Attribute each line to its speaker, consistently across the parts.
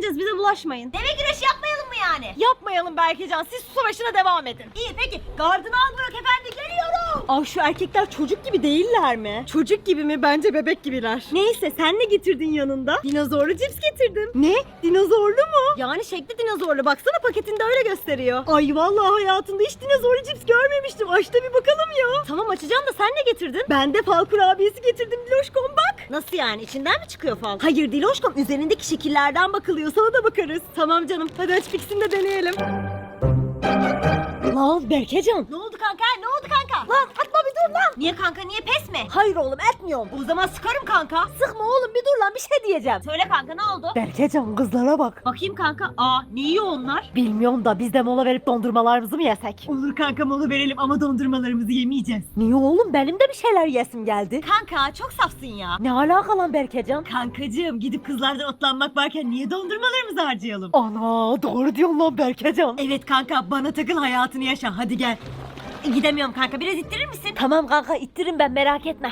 Speaker 1: yiyeceğiz, bize bulaşmayın.
Speaker 2: Deve güreşi yapmayalım mı yani?
Speaker 1: Yapmayalım Berkecan, siz su savaşına devam edin.
Speaker 2: İyi peki. Gardını al bırak efendi, geliyorum.
Speaker 1: Aa, şu erkekler çocuk gibi değiller mi? Çocuk gibi mi? Bence bebek gibiler. Neyse, sen ne getirdin yanında? Dinozorlu cips getirdim. Ne? Dinozorlu mu? Yani şekli dinozorlu. Baksana, paketinde öyle gösteriyor. Ay vallahi hayatımda hiç dinozorlu cips görmemiştim. Aç da bir bakalım ya. Tamam, açacağım da sen ne getirdin? Ben de fal kurabiyesi getirdim Diloşkom, bak. Nasıl yani? İçinden mi çıkıyor fal? Hayır Diloşkom, üzerindeki şekillerden bakılıyor. Sana da bakarız. Tamam canım. Hadi aç ikisini de deneyelim. Lan Berkecan.
Speaker 2: Ne oldu kanka? Ne oldu kanka? Lan atma, bir dur lan. Niye kanka, niye pes mi?
Speaker 1: Hayır oğlum, etmiyorum.
Speaker 2: O zaman sıkarım kanka.
Speaker 1: Sıkma oğlum, bir dur lan, bir şey diyeceğim.
Speaker 2: Söyle kanka, ne oldu?
Speaker 1: Berkecan, kızlara bak.
Speaker 2: Bakayım kanka. Aa, ne yiyor onlar?
Speaker 1: Bilmiyorum da biz de mola verip dondurmalarımızı mı yesek?
Speaker 2: Olur kanka, mola verelim ama dondurmalarımızı yemeyeceğiz.
Speaker 1: Niye oğlum, benim de bir şeyler yesim geldi.
Speaker 2: Kanka çok safsın ya.
Speaker 1: Ne alaka lan Berkecan?
Speaker 2: Kankacığım, gidip kızlardan otlanmak varken niye dondurmalarımızı harcayalım?
Speaker 1: Ana, doğru diyorsun lan Berkecan.
Speaker 2: Evet kanka, bana takıl, hayatını yaşa, hadi gel. Gidemiyorum kanka, biraz ittirir misin?
Speaker 1: Tamam kanka, ittirin ben, merak etme.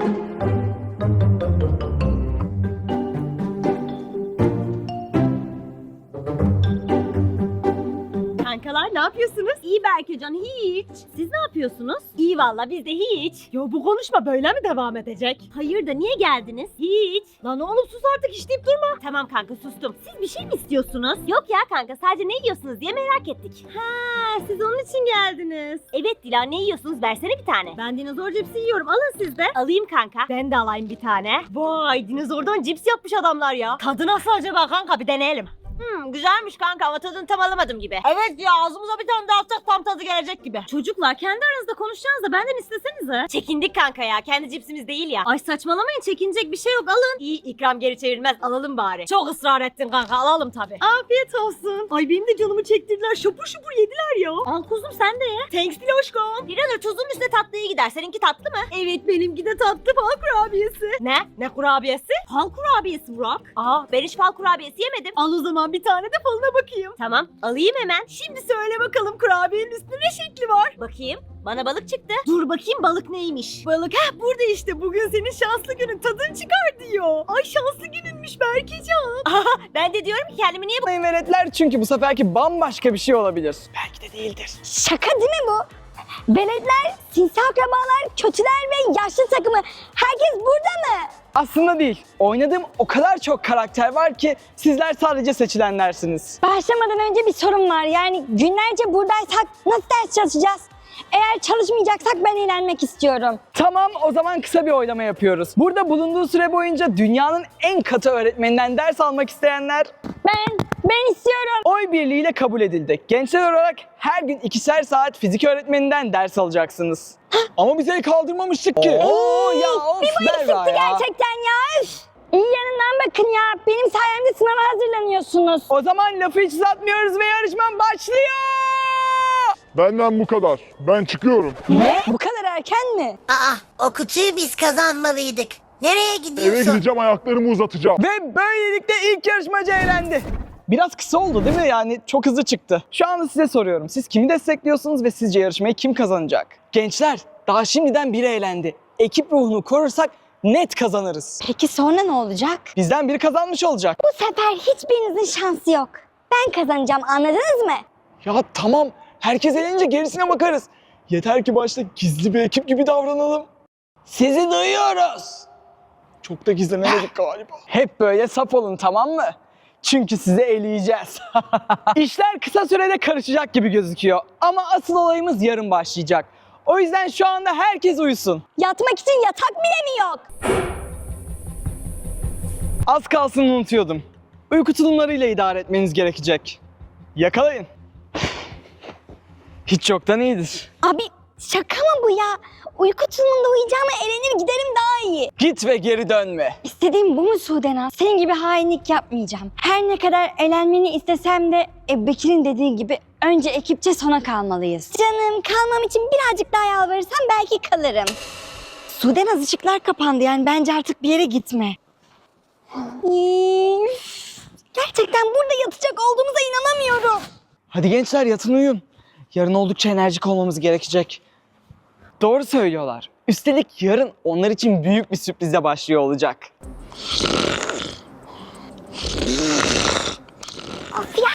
Speaker 2: Kankalar ne yapıyorsunuz? İyi Berkecan, hiç. Siz ne yapıyorsunuz? İyi valla, biz de hiç.
Speaker 1: Ya bu konuşma böyle mi devam edecek?
Speaker 2: Hayır da niye geldiniz? Hiç.
Speaker 1: Lan oğlum sus artık, iş deyip durma.
Speaker 2: Tamam kanka, sustum. Siz bir şey mi istiyorsunuz? Yok ya kanka, sadece ne yiyorsunuz diye merak ettik.
Speaker 1: Ha, siz onun için geldiniz.
Speaker 2: Evet Dila, ne yiyorsunuz? Versene bir tane.
Speaker 1: Ben dinozor cipsi yiyorum, alın siz de.
Speaker 2: Alayım kanka.
Speaker 1: Ben de alayım bir tane. Vay, dinozordan cips yapmış adamlar ya. Tadı nasıl acaba kanka, bir deneyelim.
Speaker 2: Güzelmiş kanka ama tadını tam alamadım gibi.
Speaker 1: Evet ya, ağzımıza bir tane daha atsak tam tadı gelecek gibi. Çocuklar, kendi aranızda konuşacağınız da benden istesenize.
Speaker 2: Çekindik kanka ya, kendi cipsimiz değil ya.
Speaker 1: Ay saçmalamayın, çekinecek bir şey yok, alın.
Speaker 2: İyi, ikram geri çevirmez, alalım bari.
Speaker 1: Çok ısrar ettin kanka, alalım tabi. Afiyet olsun. Ay benim de canımı çektirdiler, şapur şupur yediler ya. Al kuzum, sen de ye.
Speaker 2: Thanks Diloşkom. Bir an tuzun üstüne tatlıyı gider. Seninki tatlı mı?
Speaker 1: Evet, benimki de tatlı fal kurabiyesi.
Speaker 2: Ne? Ne kurabiyesi?
Speaker 1: Fal kurabiyesi Burak.
Speaker 2: Aa, ben hiç fal kurabiyesi yemedim.
Speaker 1: Al o zaman bir tane de falına bakayım.
Speaker 2: Tamam, alayım hemen.
Speaker 1: Şimdi söyle bakalım, kurabiyenin üstünde ne şekli var?
Speaker 2: Bakayım. Bana balık çıktı.
Speaker 1: Dur bakayım, balık neymiş? Balık burada işte, bugün senin şanslı günün, tadın çıkar diyor. Ay şanslı gününmüş Berkecan.
Speaker 2: Ben de diyorum ki kendimi niye
Speaker 3: Yapmayın veletler, çünkü bu seferki bambaşka bir şey olabilir. Belki de değildir.
Speaker 4: Şaka değil mi bu? Veletler, sinsi akrabalar, kötüler ve yaşlı takımı. Herkes burada mı?
Speaker 3: Aslında değil. Oynadığım o kadar çok karakter var ki sizler sadece seçilenlersiniz.
Speaker 4: Başlamadan önce bir sorun var. Yani günlerce buradaysak nasıl ders çalışacağız? Eğer çalışmayacaksak ben eğlenmek istiyorum.
Speaker 3: Tamam, o zaman kısa bir oylama yapıyoruz. Burada bulunduğu süre boyunca dünyanın en katı öğretmeninden ders almak isteyenler
Speaker 4: Ben istiyorum.
Speaker 3: oy birliğiyle kabul edildi. Gençler olarak her gün 2'şer saat fizik öğretmeninden ders alacaksınız. Ama bize kaldırmamıştık ki. Oo ya, of Berra ya.
Speaker 4: Gerçekten ya. Üf. İyi yanından bakın ya. Benim sayemde sınava hazırlanıyorsunuz.
Speaker 3: O zaman lafı hiç uzatmıyoruz ve yarışmam başlıyor.
Speaker 5: Benden bu kadar. Ben çıkıyorum.
Speaker 4: Ne? Bu kadar erken mi?
Speaker 6: Aa, o kutuyu biz kazanmalıydık. Nereye
Speaker 5: Eve
Speaker 6: gidiyorsun?
Speaker 5: gideceğim, ayaklarımı uzatacağım.
Speaker 3: Ve böylelikle ilk yarışmacı eğlendi. Biraz kısa oldu değil mi? Yani çok hızlı çıktı. Şu anda size soruyorum. Siz kimi destekliyorsunuz ve sizce yarışmayı kim kazanacak? Gençler, daha şimdiden biri eğlendi. Ekip ruhunu korursak net kazanırız.
Speaker 4: Peki sonra ne olacak?
Speaker 3: Bizden biri kazanmış olacak.
Speaker 4: Bu sefer hiçbirinizin şansı yok. Ben kazanacağım, anladınız mı?
Speaker 3: Ya tamam, herkes eğlenince gerisine bakarız. Yeter ki başta gizli bir ekip gibi davranalım. Sizi duyuyoruz. Çok da gizlenemedik galiba. Hep böyle saf olun, tamam mı? Çünkü sizi eleyeceğiz. İşler kısa sürede karışacak gibi gözüküyor. Ama asıl olayımız yarın başlayacak. O yüzden şu anda herkes uyusun.
Speaker 4: Yatmak için yatak bile mi yok?
Speaker 3: Az kalsın unutuyordum. Uyku tulumlarıyla idare etmeniz gerekecek. Yakalayın. Hiç yoktan iyidir.
Speaker 4: Abi şaka mı bu ya? Uyku tulumunda uyuyacağıma eğlenir giderim daha iyi.
Speaker 3: Git ve geri dönme.
Speaker 4: İstediğim bu mu Sudenaz? Senin gibi hainlik yapmayacağım. Her ne kadar eğlenmeni istesem de Bekir'in dediği gibi önce ekipçe sona kalmalıyız. Canım, kalmam için birazcık daha yalvarırsam belki kalırım. Sudenaz, ışıklar kapandı, yani bence artık bir yere gitme. Gerçekten burada yatacak olduğumuza inanamıyorum.
Speaker 3: Hadi gençler, yatın uyuyun. Yarın oldukça enerjik olmamız gerekecek. Doğru söylüyorlar. Üstelik yarın onlar için büyük bir sürprizle başlıyor olacak.
Speaker 4: Of ya.